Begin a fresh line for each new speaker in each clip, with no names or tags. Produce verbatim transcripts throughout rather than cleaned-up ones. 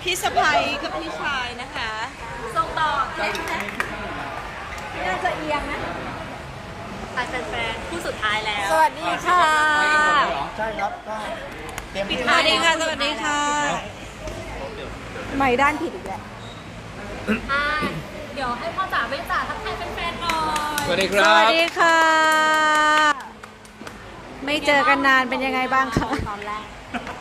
พี่สะใภ้กับพี่ชายนะคะส่งต่อแท็กน่าจะเอียงนะตายแฟนๆผู้สุดท้ายแล้วสวัสดีค่ะ
ใช่ครับก็เตรียม
สวัสดีค่ะสวัสดีค่ะไม่ด้านผิดอีกแล้ว
เดี๋ยวให้พ่อจ๋าแม่จ๋าทักทายแฟนๆหน่อย
สวัสดีค
ส
รับ
วัสดีค่ะไม่เจอกันนานเป็นยังไงบ้างคะตอนแรก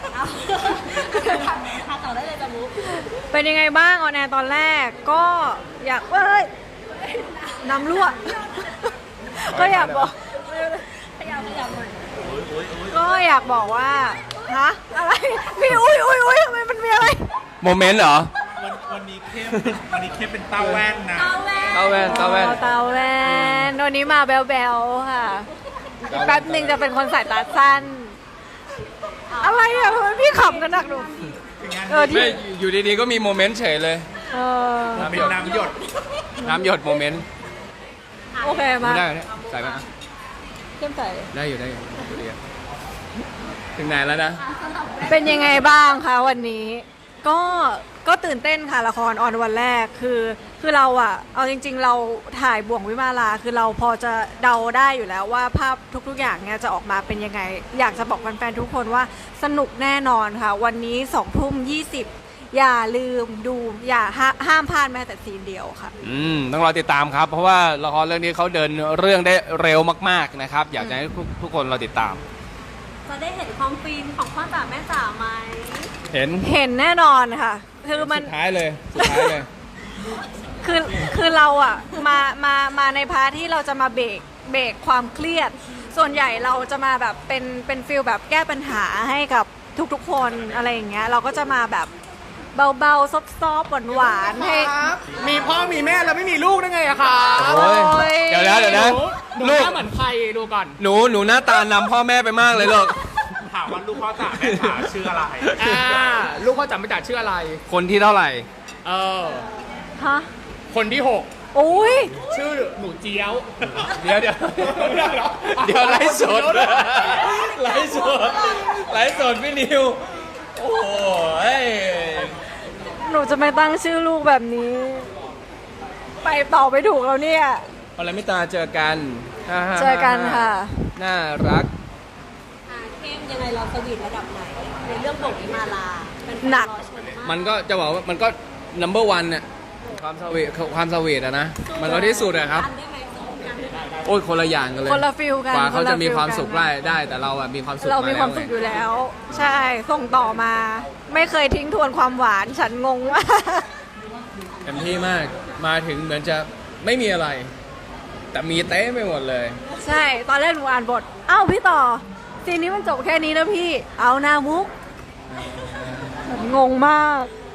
พาต่อได้เลยจ้ะมุก
เป็นยังไงบ้างออนแอร์ตอนแรกก็อยากเอ้ยน้ำรั่วก็อยากบอก
พยายามพยายามหน่อย
ก็อยากบอกว่าฮะอะไรพี่อุ้ยอุ้ยอุ้ยทำไมมันมีอะไร
โมเมนต์เหรอ
วันวันนี้เข้มวันนี้เข้มเป็นเต้าแว่นนะ
เต้าแว่น
เต้าแว่นเต้าแว่น
อ๋อเตาแวนวันนี้มาแบลๆค่ะอีกแป๊บหนึ่งจะเป็นคนสายตาสั้น อะไรอ่ะทำไมพี่ขำกันหนักหนูเออที่
ไม่อยู่ดีๆก็มีโมเมนต์เฉยเลย
เออ
เป็นน้ำหยด
น้ำหยดโมเมนต์
โอเคมา
ได้เนี่ยใส่ไหมอ่ะ
เข้มใส่
ได้อยู่ได้อยู่ดูดีอ่ะถึงไหนแล้วนะ
เป็นยังไงบ้างคะวันนี้ ก็ก็ตื่นเต้นค่ะละครออนวันแรกคือคือเราอะเอาจริง ๆ เราถ่ายบ่วงวิมาลาคือเราพอจะเดาได้อยู่แล้วว่าภาพทุกๆอย่างเนี่ยจะออกมาเป็นยังไง อยากจะบอกแฟนๆทุกคนว่าสนุกแน่นอนค่ะ วันนี้สองทุ่มยี่สิบอย่าลืมดูอย่าห้าห้ามพลาดแม้แต่ซีนเดียวค่ะ
อืมต้องรอติดตามครับ เพราะว่าละครเรื่องนี้เขาเดินเรื่องได้เร็วมากๆนะครับ อยากจะให้ทุกทุกคนเราติดตาม
จะได้เห็นความฟินของพ่อจ๋าแม่จ๋าไหม
เห็น
เห็นแน่นอนค่ะ คือมัน
สุดท้ายเลยสุดท้ายเลย
คือคือเราอะมามามาในพาร์ทที่เราจะมาเบรกเบรกความเครียด ส่วนใหญ่เราจะมาแบบเป็นเป็นฟิลแบบแก้ปัญหาให้กับทุกๆคนอะไรอย่างเงี้ยเราก็จะมาแบบเบาๆซอฟๆหวานๆให้
มีพ่อมีแม่แล้วไม่มีลูกได้ไงอะคะ
โอ้ยเดี๋ยวนะเดี๋ยวนะ
หนู
ลูก
หน้าเหมือนใครดูก่อน
หนูหนูหน้าตานำพ่อแม่ไปมากเลยลูก
ถามว่าลูกพ่อจ๋าแม่จ๋าชื่ออะไร
อ่า ลูกพ่อจำไม่จ่าชื่ออะไร
คนที่เท่าไหร่
เออ
ฮะ
คนที่หก
อุ้ย
ชื่อหนูเจี๊ยว
เดี๋ยวเดี๋ยว
ไม่ได้หรอ
เดี๋ยวไลฟ์สดไลฟ์สดไลฟ์สดพี่นิวโอ้ย
หนูจะไม่ตั้งชื่อลูกแบบนี้ ไปต่อไปถูกแล้วเนี่ย
พลมิตาเจอกันฮ่าฮ่า
เจอกันค่ะ
น่ารัก
อ่าเข้มยังไงเราสวีทระดับไหน ในเรื่องบทวิมาลาเป็น
หนัก
รอชมมาก
มันก็จะบอกว่ามันก็ number one น่ะความสวีทความสวีทอะนะ มันก็ที่สุดอะครับ
กันได้ไหมสู้กันได้ไหม
โอ้ยคนละอย่างกันเลย
คนละฟิลกัน
กว่าเขาจะมี
คนละฟิล
ความสุข
กัน
ได้ได้ แต่เราอะมีความสุข
เรามีความ
แล้
สุข
ไง
อยู่แล้ว ใช่ส่งต่อมา ไม่เคยทิ้งทวนความหวานฉันงงมาก
เต็มที่มากมาถึงเหมือนจะไม่มีอะไร แต่มีเต้ไปหมดเลย
ใช่ ตอนแรกหนูอ่านบท เอ้าพี่ต่อ ซีนนี้มันจบแค่นี้นะพี่ เอาหน้ามุก งงมาก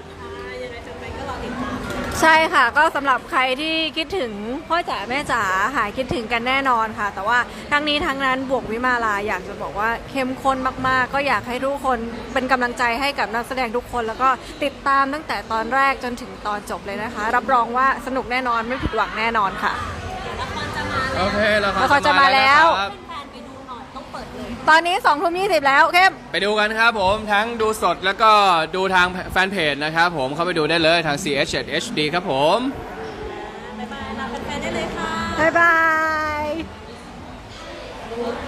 ใช่ค่ะ ก็สำหรับใครที่คิดถึงพ่อจ๋าแม่จ๋าหายคิดถึงกันแน่นอนค่ะ แต่ว่าทั้งนี้ทั้งนั้นบวกวิมาลาอยากจะบอกว่าเข้มข้นมากๆ ก็อยากให้ทุกคนเป็นกำลังใจให้กับนักแสดงทุกคน แล้วก็ติดตามตั้งแต่ตอนแรกจนถึงตอนจบเลยนะคะ รับรองว่าสนุกแน่นอนไม่ผิดหวังแน่นอนค่ะ
ละครจะมา
โอเคละคร
ละครจะมาแล้ว
ครับ
แฟนๆไปดูหน่อยต้องเปิดเลย
ตอนนี้สองทุ่มยี่สิบแล้วเข้ม
ไปดูกันครับผมทั้งดูสดแล้วก็ดูทางแฟนเพจนะครับผมเข้าไปดูได้เลยทาง ซี เอช เจ็ด เอช ดี ครับผม
บ๊ายบายลาแฟนๆได้เลยค่ะ
บ๊ายบาย